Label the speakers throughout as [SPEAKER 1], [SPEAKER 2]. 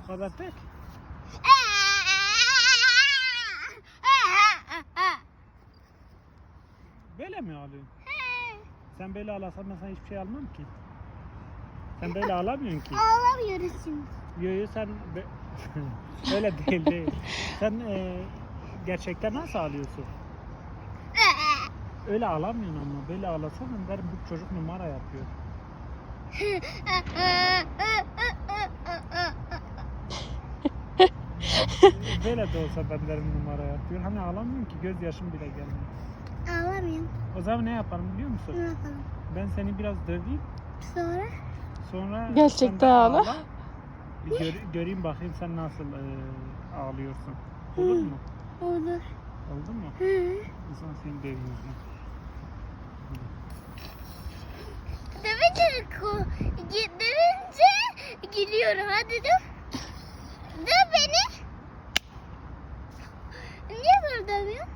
[SPEAKER 1] Bu kadar tek. Böyle mi ağlıyorsun? Sen böyle ağlasan ben sana hiçbir şey almam ki. Sen böyle ağlamıyorsun ki.
[SPEAKER 2] Ağlamıyoruz şimdi.
[SPEAKER 1] Yo sen öyle değil. Sen gerçekten nasıl ağlıyorsun? Öyle ağlamıyorsun ama böyle ağlasan ben derim bu çocuk numara yapıyor. Böyle de olsa ben derim numara yapıyor. Hani ağlamıyorsun ki gözyaşım bile gelmiyor.
[SPEAKER 2] Ağlamıyorum.
[SPEAKER 1] O zaman ne yapalım biliyor musun?
[SPEAKER 2] Ne yapalım?
[SPEAKER 1] Ben seni biraz döveyim.
[SPEAKER 2] Sonra?
[SPEAKER 1] Sonra
[SPEAKER 3] Gerçekten
[SPEAKER 1] sen de
[SPEAKER 3] ağla.
[SPEAKER 1] Bir göreyim bakayım sen nasıl ağlıyorsun. Olur mu?
[SPEAKER 2] Olur.
[SPEAKER 1] Oldu mu?
[SPEAKER 2] Hı.
[SPEAKER 1] O zaman seni döveyim.
[SPEAKER 2] Dövünce gülüyorum. Hadi dur. Döv beni. Niye böyle dövüyorsun?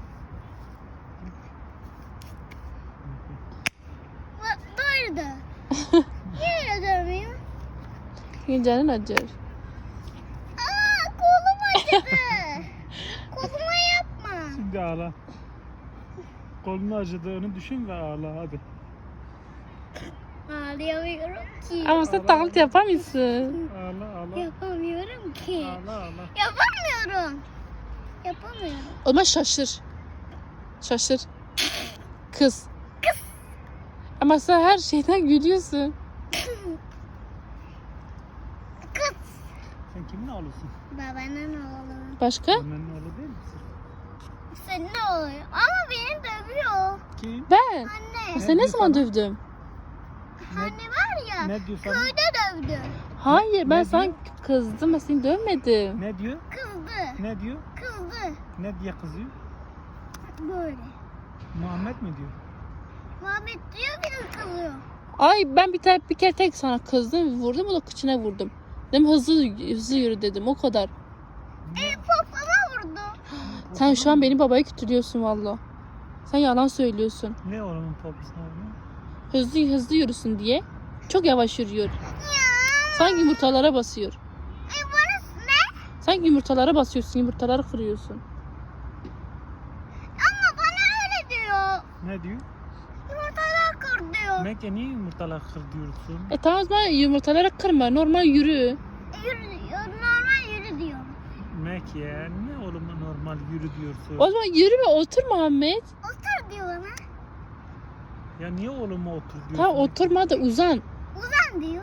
[SPEAKER 2] Doğru da. Niye öyle dövmüyorsun?
[SPEAKER 3] Çünkü canın acır.
[SPEAKER 2] Aa, kolum acıdı. Koluma yapma.
[SPEAKER 1] Şimdi ağla. Kolunu acıdığını düşün ve ağla hadi.
[SPEAKER 2] Ağlayamıyorum ki.
[SPEAKER 3] Ama sen taklit yapamıyorsun.
[SPEAKER 1] Ağla.
[SPEAKER 2] Yapamıyorum ki.
[SPEAKER 1] Ağla.
[SPEAKER 2] Yapamıyorum. Yapamıyorum.
[SPEAKER 3] O zaman şaşır. Şaşır. Kız. Ama sen her şeyden gülüyorsun.
[SPEAKER 2] Kız.
[SPEAKER 1] Sen kimin oğlusun?
[SPEAKER 2] Babanın oğlu.
[SPEAKER 3] Başka?
[SPEAKER 1] Annenin oğlu değil misin?
[SPEAKER 2] Senin ne oluyor? Ama beni dövüyor.
[SPEAKER 1] Kim?
[SPEAKER 3] Ben.
[SPEAKER 2] Anne.
[SPEAKER 3] Sen ne zaman dövdüm?
[SPEAKER 2] Anne var ya.
[SPEAKER 1] Ne diyor sana?
[SPEAKER 2] Köyde dövdü.
[SPEAKER 3] Hayır ben
[SPEAKER 1] Ne
[SPEAKER 3] sana
[SPEAKER 1] diyor?
[SPEAKER 3] kızdım. Ben seni dövmedim.
[SPEAKER 1] Ne diyor?
[SPEAKER 2] Kızdı.
[SPEAKER 1] Ne diyor?
[SPEAKER 2] Kızdı.
[SPEAKER 1] Ne diye kızıyor?
[SPEAKER 2] Böyle.
[SPEAKER 1] Muhammed mi diyor?
[SPEAKER 2] Muhammed diyor beni kızıyor.
[SPEAKER 3] Ay ben bir kere tek sana kızdım. Vurdum o da kıçına vurdum. Dedim hızlı yürü dedim o kadar.
[SPEAKER 2] Popoma vurdu.
[SPEAKER 3] Sen şu an beni babaya kötülüyorsun valla. Sen yalan söylüyorsun.
[SPEAKER 1] Ne oğlumun poposuna vuruyor?
[SPEAKER 3] Hızlı yürüsün diye. Çok yavaş yürüyor.
[SPEAKER 2] Ya.
[SPEAKER 3] Sanki yumurtalara basıyor.
[SPEAKER 2] Burası ne?
[SPEAKER 3] Sanki yumurtalara basıyorsun, yumurtaları kırıyorsun.
[SPEAKER 2] Ama bana öyle diyor.
[SPEAKER 1] Ne diyor?
[SPEAKER 2] Yumurtalar kır diyor.
[SPEAKER 1] Mekke niye yumurtalar kır diyorsun?
[SPEAKER 3] Tamam o zaman yumurtaları kırma, normal yürü.
[SPEAKER 2] Normal yürü diyor.
[SPEAKER 1] Mekke ne oğluma normal yürü diyorsun?
[SPEAKER 3] O zaman yürü ve otur Muhammed.
[SPEAKER 2] Otur diyor bana.
[SPEAKER 1] Ya niye oğluma otur diyorsun?
[SPEAKER 3] Tamam oturma da uzan.
[SPEAKER 2] Uzan diyor.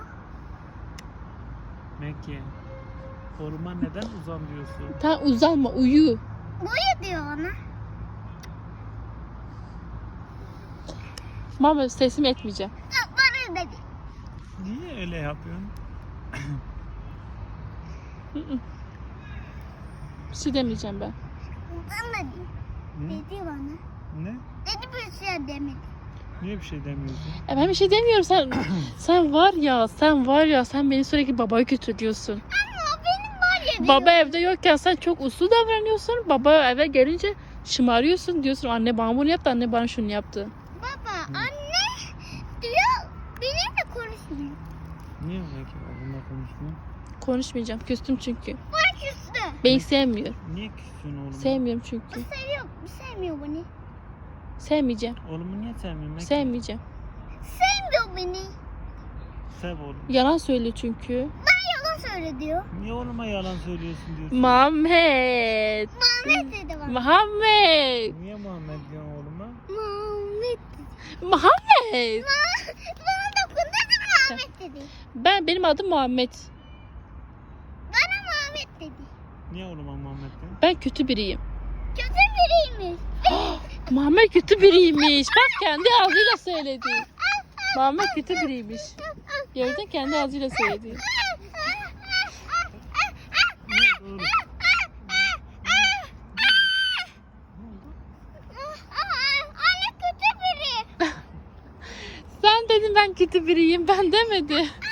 [SPEAKER 1] Mekke. Oğluma neden uzan diyorsun?
[SPEAKER 3] Tamam uzanma, uyu.
[SPEAKER 2] Uyu diyor bana.
[SPEAKER 3] Muhammed teslim etmeyeceğim.
[SPEAKER 2] Bana dedi.
[SPEAKER 1] Niye öyle yapıyorsun?
[SPEAKER 3] Bir şey demeyeceğim ben.
[SPEAKER 2] Bana dedi.
[SPEAKER 1] Hı?
[SPEAKER 2] Dedi bana.
[SPEAKER 1] Ne?
[SPEAKER 2] Dedi bir şey demedi.
[SPEAKER 1] Niye bir şey demiyorsun?
[SPEAKER 3] Ben bir şey demiyorum sen var ya sen beni sürekli babaya kötülüyorsun.
[SPEAKER 2] Ama benim var ya diyor.
[SPEAKER 3] Baba evde yokken sen çok uslu davranıyorsun. Baba eve gelince şımarıyorsun diyorsun anne bana bunu yaptı anne bana şunu yaptı.
[SPEAKER 2] Baba anne diyor benimle konuşmuyor.
[SPEAKER 1] Niye Mekke oğlumla konuşmuyor?
[SPEAKER 3] Konuşmayacağım küstüm çünkü.
[SPEAKER 2] Bana küstü.
[SPEAKER 3] Beni sevmiyor.
[SPEAKER 1] Niye küssün oğluma?
[SPEAKER 3] Sevmiyorum çünkü.
[SPEAKER 2] Sevmiyor beni.
[SPEAKER 3] Sevmeyeceğim.
[SPEAKER 1] Oğlumu niye sevmiyorsun Mekke?
[SPEAKER 3] Sevmeyeceğim.
[SPEAKER 2] Sevmiyor beni.
[SPEAKER 1] Sev oğlum.
[SPEAKER 3] Yalan söylüyor çünkü.
[SPEAKER 2] Yalan söyle diyor.
[SPEAKER 1] Niye oğluma yalan söylüyorsun diyorsun?
[SPEAKER 3] Muhammed.
[SPEAKER 2] Muhammed dedi bana.
[SPEAKER 3] Muhammed.
[SPEAKER 1] Niye Muhammed diyorsun oğluma?
[SPEAKER 2] Muhammed.
[SPEAKER 3] Muhammed.
[SPEAKER 2] Bana dokundu da Muhammed dedi.
[SPEAKER 3] Benim adım Muhammed.
[SPEAKER 2] Bana Muhammed dedi.
[SPEAKER 1] Niye oğluma Muhammed diyorsun?
[SPEAKER 3] Ben kötü biriyim.
[SPEAKER 2] Kötü biriymiş.
[SPEAKER 3] Muhammed kötü biriymiş. Bak kendi ağzıyla söyledi. Muhammed kötü biriymiş. Gördün kendi ağzıyla söyledi.
[SPEAKER 1] Ne oğlum?
[SPEAKER 2] Anne kötü biri.
[SPEAKER 3] Sen dedin ben kötü biriyim. Ben demedim.